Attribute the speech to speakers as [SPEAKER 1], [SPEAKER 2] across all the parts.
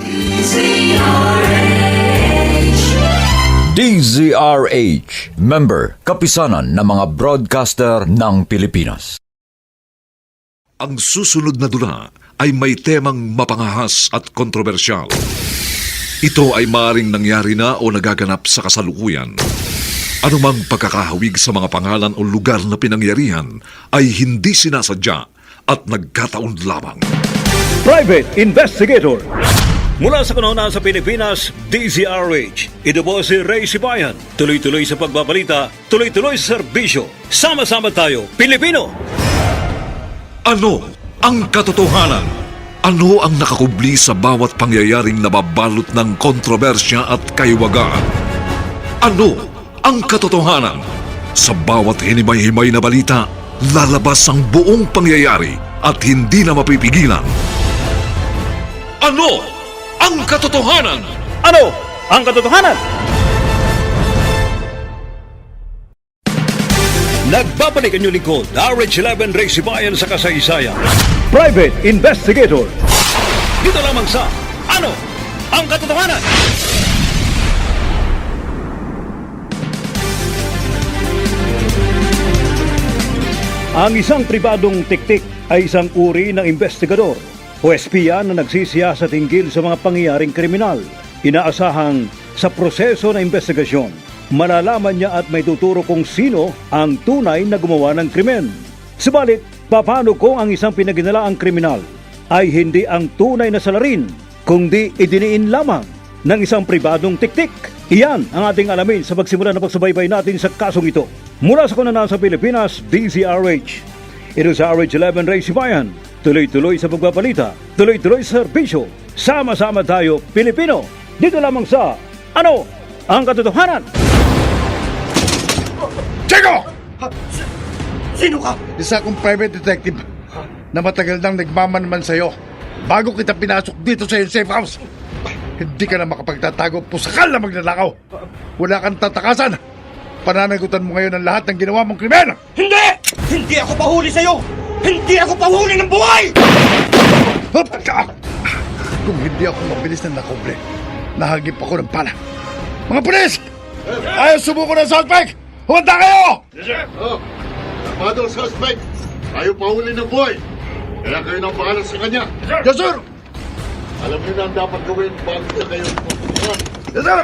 [SPEAKER 1] DZRH, member, kapisanan ng mga broadcaster ng Pilipinas.
[SPEAKER 2] Ang susunod na dula ay may temang mapangahas at kontrobersyal. Ito ay maaaring nangyari na o nagaganap sa kasalukuyan. Anumang pagkakahawig sa mga pangalan o lugar na pinangyarihan ay hindi sinasadya at nagkataon lamang.
[SPEAKER 3] Private Investigator. Mula sa kanuna sa Pilipinas, DZRH. Ito po si Ray Sibayan. Tuloy-tuloy sa pagbabalita, tuloy-tuloy sa serbisyo. Sama-sama tayo, Pilipino!
[SPEAKER 2] Ano ang katotohanan? Ano ang nakakubli sa bawat pangyayaring nababalot ng kontrobersya at kaiwagaan? Ano ang katotohanan? Sa bawat hinimay-himay na balita, lalabas ang buong pangyayari at hindi na mapipigilan. Ano ang katotohanan?
[SPEAKER 3] Ano ang katotohanan? Nagbabalik ang inyong lingkod, RH11 Ray Sibayan sa kasaysayan. Private Investigator. Dito lamang sa Ano ang katotohanan? Ang isang pribadong tiktik ay isang uri ng investigador o espiya na nagsisiya sa tinggil sa mga pangyayaring kriminal. Inaasahang sa proseso ng investigasyon, malalaman niya at may tuturo kung sino ang tunay na gumawa ng krimen. Subalit, paano kung ang isang pinaginalaang kriminal ay hindi ang tunay na salarin, kundi idiniin lamang ng isang pribadong tiktik? Iyan ang ating alamin sa pagsimula na pagsubaybay natin sa kasong ito. Mula sa kanunaan sa Pilipinas, DZRH. Ito sa RH11 Ray Sibayan. Tuloy-tuloy sa pagbabalita, tuloy-tuloy sa serbisyo. Sama-sama tayo, Pilipino! Dito lamang sa Ano ang katotohanan?
[SPEAKER 4] Chico!
[SPEAKER 5] Sino ka?
[SPEAKER 4] Isa akong private detective na matagal nang nagmamanman sa'yo bago kita pinasok dito sa iyong safe house. Hindi ka na makapagtatago, pusakal na magnanakaw. Wala kang tatakasan. Pananagutan mo ngayon ang lahat ng ginawa mong krimen.
[SPEAKER 5] Hindi! Hindi ako pahuli sa'yo! Hindi ako pahuli ng buhay!
[SPEAKER 4] Kung hindi ako mabilis na nakobre, nahagip ako ng pala. Mga pulis! Ayaw sumuko ng suspect! Humanda kayo!
[SPEAKER 6] Yes, sir. Namado ang suspect. Ayaw pahuli ng buhay. Kaya kayo nang pangalan sa kanya.
[SPEAKER 4] Yes, sir!
[SPEAKER 6] Alam niyo na ang dapat gawin bago sa kayo pupunta.
[SPEAKER 4] Yes, sir!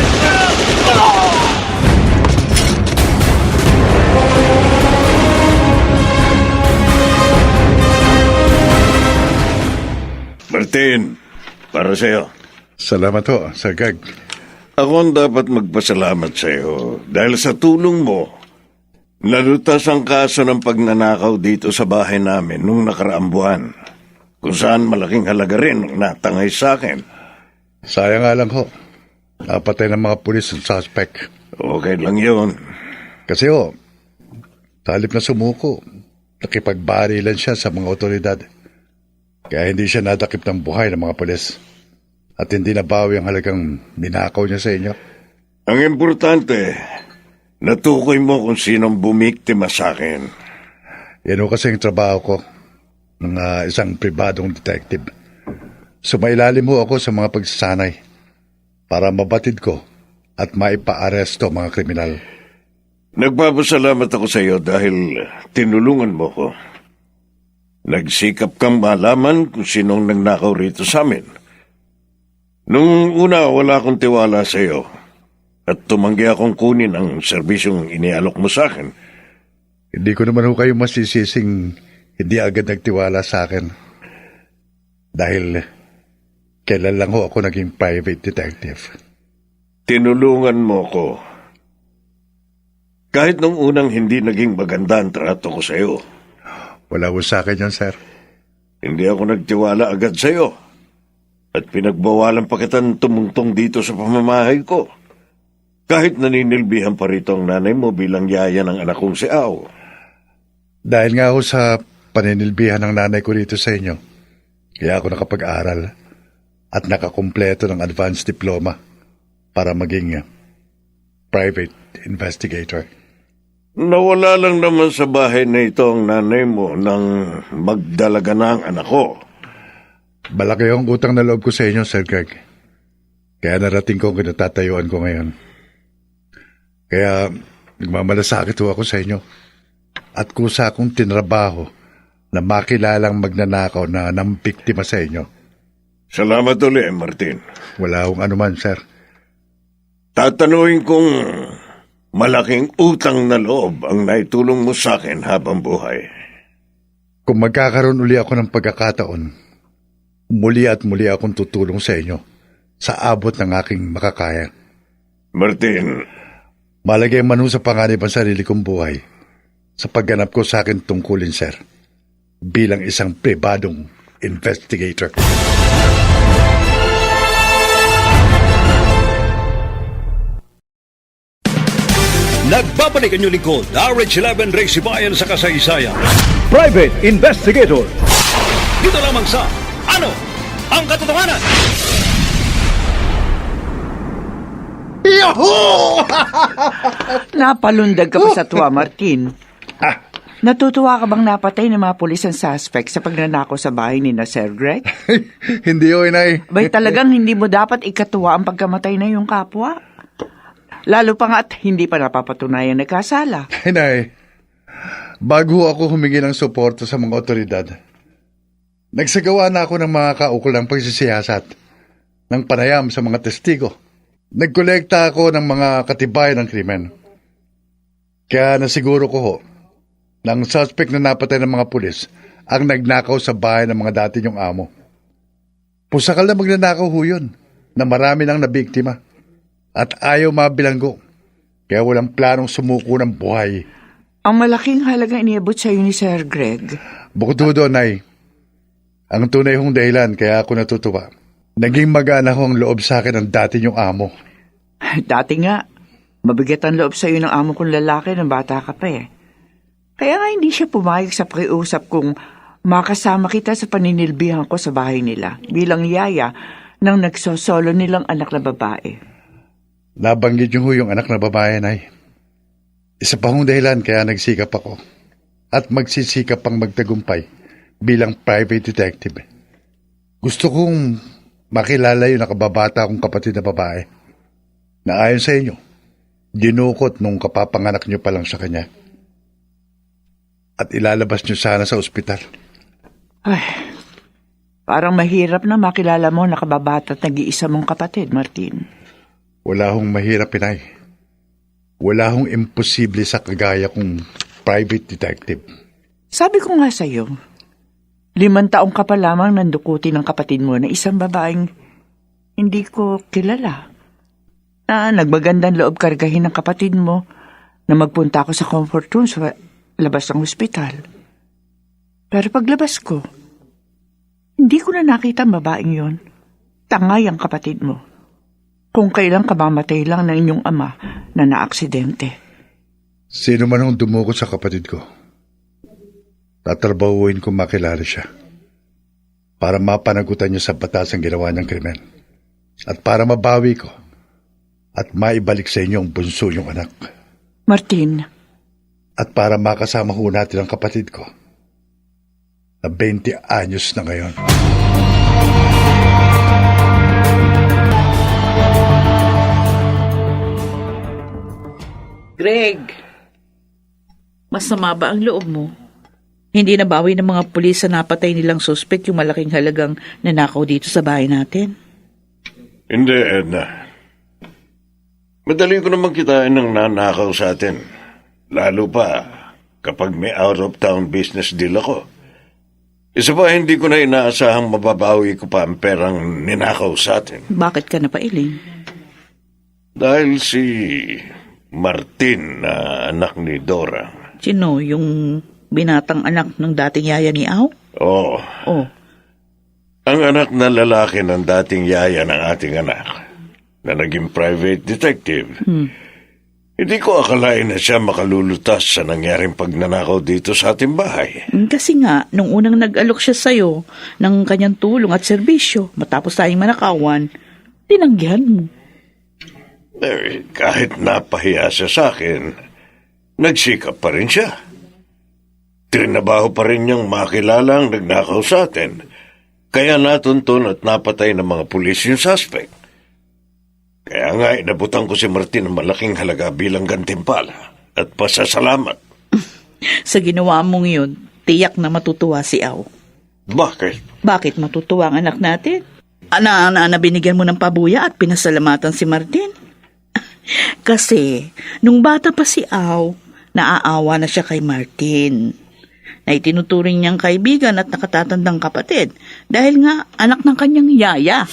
[SPEAKER 7] Martin, para sa'yo.
[SPEAKER 4] Salamat ho, Sir Gag.
[SPEAKER 7] Ako ang dapat magpasalamat sa'yo dahil sa tulong mo, nalutas ang kaso ng pagnanakaw dito sa bahay namin nung nakaraang buwan, kung saan malaking halaga rin ang natangay sa akin.
[SPEAKER 4] Sayang nga lang ho. Napatay ng mga pulis ang suspect.
[SPEAKER 7] Okay lang yun.
[SPEAKER 4] Kasi ho, sa halip na sumuko, nakipagbarilan siya sa mga otoridad. Kaya hindi siya nadakip ng buhay ng mga pulis. At hindi nabawi ang halagang ninakaw niya sa inyo.
[SPEAKER 7] Ang importante, natukoy mo kung sinong bumiktima sa akin.
[SPEAKER 4] Yan ho kasi yung trabaho ko ng isang pribadong detective. Sumailalim ho ako sa mga pagsasanay para mabatid ko at maipaaresto mga kriminal.
[SPEAKER 7] Nagpapasalamat ako sa iyo dahil tinulungan mo ko. Nagsikap kang malaman kung sinong nagnakaw rito sa amin. Nung una, wala akong tiwala sa iyo at tumanggi akong kunin ang serbisyong inialok mo sa akin.
[SPEAKER 4] Hindi ko naman ho kayo masisising hindi agad nagtiwala sa akin. Dahil kailan lang ho ako naging private detective.
[SPEAKER 7] Tinulungan mo ko. Kahit nung unang hindi naging maganda ang trato ko sa iyo.
[SPEAKER 4] Wala ho sa akin yan, sir.
[SPEAKER 7] Hindi ako nagtiwala agad sa iyo. At pinagbawalan pa kitang tumungtong dito sa pamamahay ko. Kahit naninilbihan pa rito ang nanay mo bilang yaya ng anak kong si Ao.
[SPEAKER 4] Dahil nga ho sa paninilbihan ng nanay ko rito sa inyo, kaya ako nakapag-aral at nakakumpleto ng advanced diploma para maging private investigator.
[SPEAKER 7] Nawala lang naman sa bahay na ito ang nanay mo nang magdalaga na ang anak ko.
[SPEAKER 4] Malaki ang utang na loob ko sa inyo, Sir Greg. Kaya narating ko ang kinatatayuan ko ngayon. Kaya nagmamalasakit ho ako sa inyo. At kusa akong tinrabaho na makilalang magnanakaw na nampiktima sa inyo.
[SPEAKER 7] Salamat ulit, Martin.
[SPEAKER 4] Wala akong anuman, Sir.
[SPEAKER 7] Tatanungin kong malaking utang na loob ang naitulong mo sa akin habang buhay.
[SPEAKER 4] Kung magkakaroon uli ako ng pagkakataon, muli at muli akong tutulong sa inyo sa abot ng aking makakaya.
[SPEAKER 7] Martin,
[SPEAKER 4] Malagay man ho sa panganib ang sarili kong buhay sa pagganap ko sa akin tungkulin, Sir, bilang isang pribadong investigator.
[SPEAKER 3] Nagbabalik ang inyong lingkod, RH11 Race Bayan sa kasaysayan. Private Investigator. Dito lamang sa Ano ang Katotohanan?
[SPEAKER 8] Napalundag ka pa sa tuwa, Martin. Natutuwa ka bang napatay ng mga pulis ang suspect sa pagnanakaw sa bahay ni na Sir Greg?
[SPEAKER 4] Hindi ho, Inay.
[SPEAKER 8] Bay talagang hindi mo dapat ikatuwa ang pagkamatay na yung kapwa. Lalo pa nga at hindi pa napapatunayan na kasala.
[SPEAKER 4] Inay, bago ako humingi ng suporta sa mga otoridad, nagsagawa na ako ng mga kaukulang pagsisiyasat ng panayam sa mga testigo. Nagkolekta ako ng mga katibayan ng krimen. Kaya nasiguro ko ho, na ang suspect na napatay ng mga pulis ang nagnakaw sa bahay ng mga dati niyong amo. Pusakal na magnanakaw ho yun, na marami nang nabiktima. At ayaw mabilanggo, kaya walang planong sumuko ng buhay.
[SPEAKER 8] Ang malaking halagang iniabot sa ni Sir Greg.
[SPEAKER 4] Bukod doon, Nay, ang tunay hong dahilan kaya ako natutuwa. Naging magaan ho ang loob sa akin ng dati niyong amo.
[SPEAKER 8] Dati nga, mabigat ang loob sa iyo ng amo kong lalaki ng bata ka pa eh. Kaya nga hindi siya pumayag sa pakiusap kung makasama kita sa paninilbihan ko sa bahay nila bilang yaya ng nagsosolo nilang anak na babae.
[SPEAKER 4] Nabanggit niyo ho yung anak na babae, Nay. Isa pa hong dahilan kaya nagsikap ako at magsisikap pang magtagumpay bilang private detective. Gusto kong makilala yung nakababata kong kapatid na babae na ayon sa inyo, dinukot nung kapapanganak niyo pa lang sa kanya. At ilalabas niyo sana sa ospital.
[SPEAKER 8] Ay, parang mahirap na makilala mo nakababata at nag-iisa mong kapatid, Martin.
[SPEAKER 4] Wala hong mahirap, Inay. Wala hong imposible sa kagaya kong private detective.
[SPEAKER 8] Sabi ko nga sa'yo, 5 taong ka pa lamang nandukutin ng kapatid mo na isang babaeng hindi ko kilala. Na nagmagandang loob kargahin ng kapatid mo na magpunta ako sa comfort room sa labas ng ospital. Pero paglabas ko, hindi ko na nakita ang babaeng yon. Tangay ang kapatid mo. Kung kailang kamamatay lang ng inyong ama na naaksidente.
[SPEAKER 4] Sino man ang dumukot sa kapatid ko, tatrabahuin ko makilala siya para mapanagutan niya sa batas ang ginawa niyang krimen at para mabawi ko at maibalik sa inyo ang bunso niyong anak.
[SPEAKER 8] Martin.
[SPEAKER 4] At para makasama ho natin ang kapatid ko na 20 anyos na ngayon.
[SPEAKER 9] Greg, masama ba ang loob mo? Hindi nabawi ng mga pulis sa napatay nilang suspect yung malaking halagang nanakaw dito sa bahay natin?
[SPEAKER 7] Hindi, Edna. Madaling ko naman kitain ng nanakaw sa atin. Lalo pa kapag may out-of-town business deal ako. Isa pa, hindi ko na inaasahang mababawi ko pa ang perang ninakaw sa atin.
[SPEAKER 9] Bakit ka napailing?
[SPEAKER 7] Dahil si Martin na anak ni Dora.
[SPEAKER 9] Sino? Yung binatang anak ng dating yaya ni Au?
[SPEAKER 7] Oo.
[SPEAKER 9] Oh.
[SPEAKER 7] Ang anak na lalaki ng dating yaya ng ating anak na naging private detective. Hindi ko akalain na siya makalulutas sa nangyaring pagnanakaw dito sa ating bahay.
[SPEAKER 9] Kasi nga, nung unang nag-alok siya sa'yo ng kanyang tulong at serbisyo, matapos tayong manakawan, tinanggihan mo.
[SPEAKER 7] Kahit napahiya siya sa akin, nagsikap pa rin siya. Trinabaho pa rin niyang makilala ang nagnakaw sa atin Kaya natuntun at napatay ng mga pulis yung suspect. Kaya nga inabutan ko si Martin ng malaking halaga bilang gantimpala at pasasalamat.
[SPEAKER 9] Sa ginawa mong yun, tiyak na matutuwa si Aw.
[SPEAKER 7] Bakit?
[SPEAKER 9] Bakit matutuwa ang anak natin? Ana binigyan mo ng pabuya at pinasalamatan si Martin? Kasi, nung bata pa si Aw, naaawa na siya kay Martin. Na itinuturing niyang kaibigan at nakatatandang kapatid dahil nga anak ng kanyang yaya.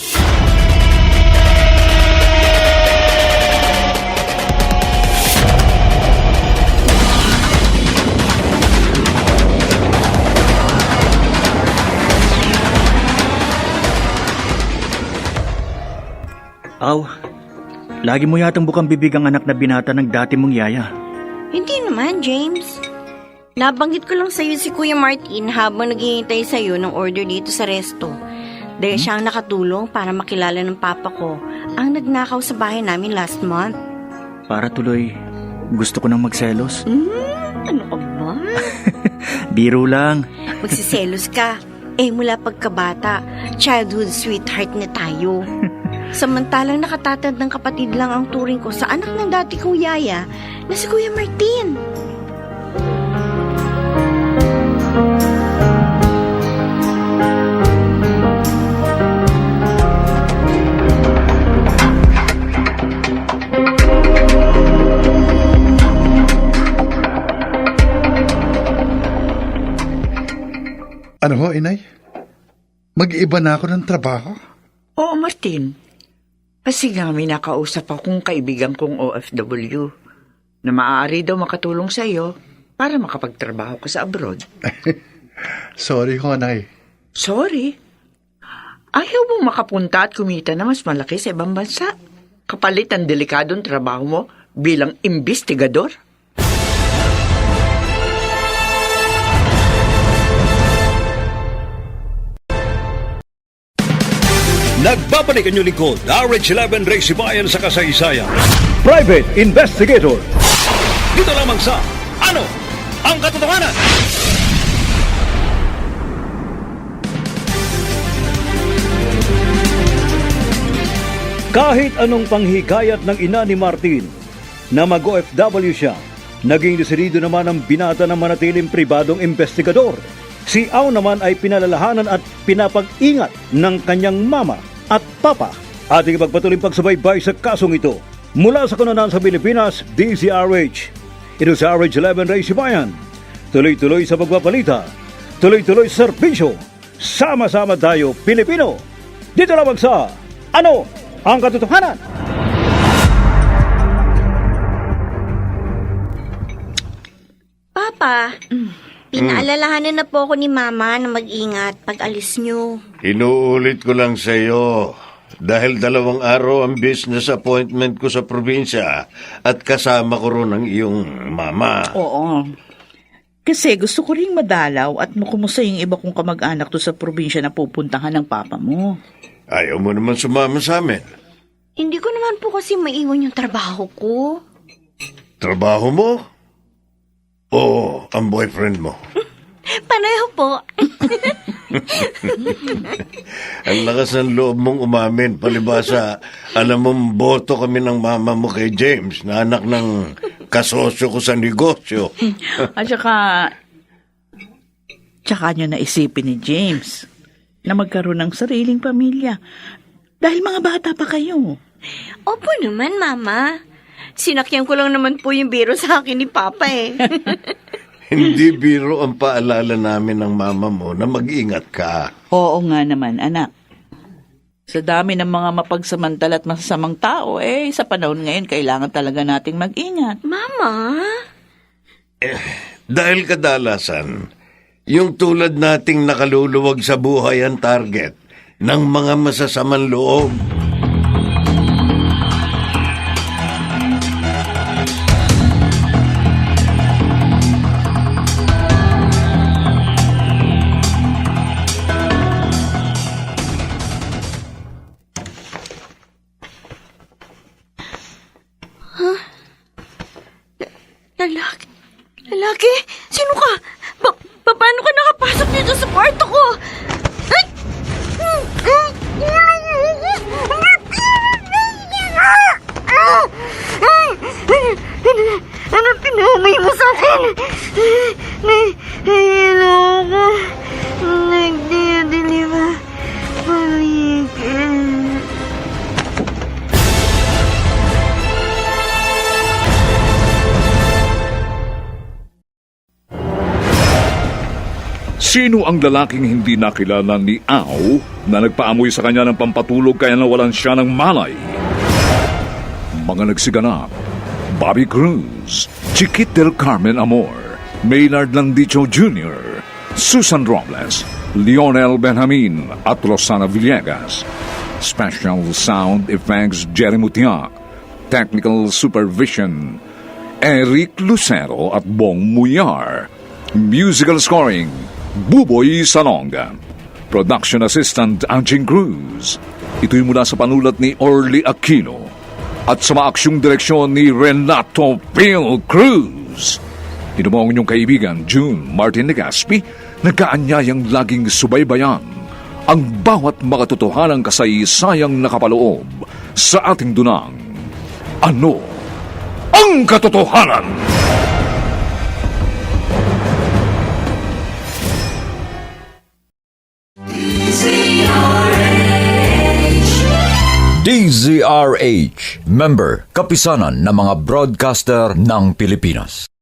[SPEAKER 5] Aw, lagi mo yatang bukang bibig ang anak na binata ng dati mong yaya.
[SPEAKER 10] Hindi naman, James. Nabanggit ko lang sa'yo si Kuya Martin habang naghihintay sa'yo ng order dito sa resto. Dahil siya ang nakatulong para makilala ng papa ko ang nagnakaw sa bahay namin last month.
[SPEAKER 5] Para tuloy, gusto ko nang magselos.
[SPEAKER 10] Ano ka ba?
[SPEAKER 5] Biro lang.
[SPEAKER 10] Magsiselos ka. Mula pagkabata, childhood sweetheart na tayo. Samantalang nakatatandang kapatid lang ang turing ko sa anak ng dati kong yaya na si Kuya Martin.
[SPEAKER 4] Ano ho, inay? Mag-iiba na ako ng trabaho?
[SPEAKER 8] Oo, Martin. Kasi nga may nakausap akong kaibigan kong OFW na maaari daw makatulong sa iyo para makapagtrabaho ka sa abroad.
[SPEAKER 4] Sorry ho, nay.
[SPEAKER 8] Sorry. Ayaw mo makapunta at kumita na mas malaki sa ibang bansa. Kapalit ang delikadong trabaho mo bilang imbestigador.
[SPEAKER 3] Nagbabalik ang inyong lingkod, RH11 Ray Sibayan sa kasaysayan. Private Investigator. Dito lamang sa Ano ang Katotohanan? Kahit anong panghikayat ng ina ni Martin na mag-OFW siya, naging desidido naman ang binata na manatiling pribadong investigador. Si Aw naman ay pinalalahanan at pinapag-ingat ng kanyang mama at papa. Ating ipagpatuloy pagsubaybay sa kasong ito. Mula sa Kanonan sa Pilipinas, DZRH. Ito sa RH11 Ray Sibayan. Tuloy-tuloy sa pagpapalita. Tuloy-tuloy sa serbisyo. Sama-sama tayo, Pilipino. Dito lamang sa Ano ang Katotohanan?
[SPEAKER 10] Papa, pinaalalahanan na po ako ni Mama na mag-ingat pag alis nyo.
[SPEAKER 7] Inuulit ko lang sa iyo. Dahil 2 araw ang business appointment ko sa probinsya at kasama ko ron ang iyong mama.
[SPEAKER 9] Oo. Kasi gusto ko ring madalaw at makumusta yung iba kong kamag-anak to sa probinsya na pupuntahan ng papa mo.
[SPEAKER 7] Ayaw mo naman sumama sa amin.
[SPEAKER 10] Hindi ko naman po kasi maiwan yung trabaho ko.
[SPEAKER 7] Trabaho mo? Oo, ang boyfriend mo.
[SPEAKER 10] Pareho po.
[SPEAKER 7] Ang lakas ng loob mong umamin, palibasa, alam mong boto kami ng mama mo kay James, na anak ng kasosyo ko sa negosyo.
[SPEAKER 9] At tsaka nyo naisipin ni James na magkaroon ng sariling pamilya dahil mga bata pa kayo.
[SPEAKER 10] Opo naman, Mama. Sinakyan ko lang naman po yung biro sa akin ni Papa eh.
[SPEAKER 7] Hindi biro ang paalala namin ng mama mo na mag-ingat ka.
[SPEAKER 9] Oo nga naman, anak. Sa dami ng mga mapagsamantala at masasamang tao, sa panahon ngayon, kailangan talaga nating mag-ingat.
[SPEAKER 10] Mama?
[SPEAKER 7] Dahil kadalasan, yung tulad nating nakaluluwag sa buhay ang target ng mga masasamang loob.
[SPEAKER 10] Lalaki? Sino ka? Paano ka nakapasok dito sa kwarto ko? Ay!
[SPEAKER 2] Sino ang lalaking hindi nakilala ni Au na nagpaamoy sa kanya ng pampatulog kaya nawalan siya ng malay? Mga nagsiganap: Bobby Cruz, Chiquit del Carmen Amor, Maynard Landicho Jr., Susan Robles, Lionel Benjamin at Rosana Villegas. Special Sound Effects Jerry Mutiak. Technical Supervision Eric Lucero at Bong Muyar. Musical Scoring Buboy Salonga. Production Assistant Anjing Cruz. Ito'y mula sa panulat ni Orly Aquino at sa maaksyong direksyon ni Renato Pil Cruz. Ito mo ang inyong kaibigan June Martin Legaspi, nagkaanyayang laging subaybayan ang bawat makatotohanang kasaysayang nakapaloob sa ating dunang. Ano ang katotohanan?
[SPEAKER 1] DZRH, member, kapisanan ng mga broadcaster ng Pilipinas.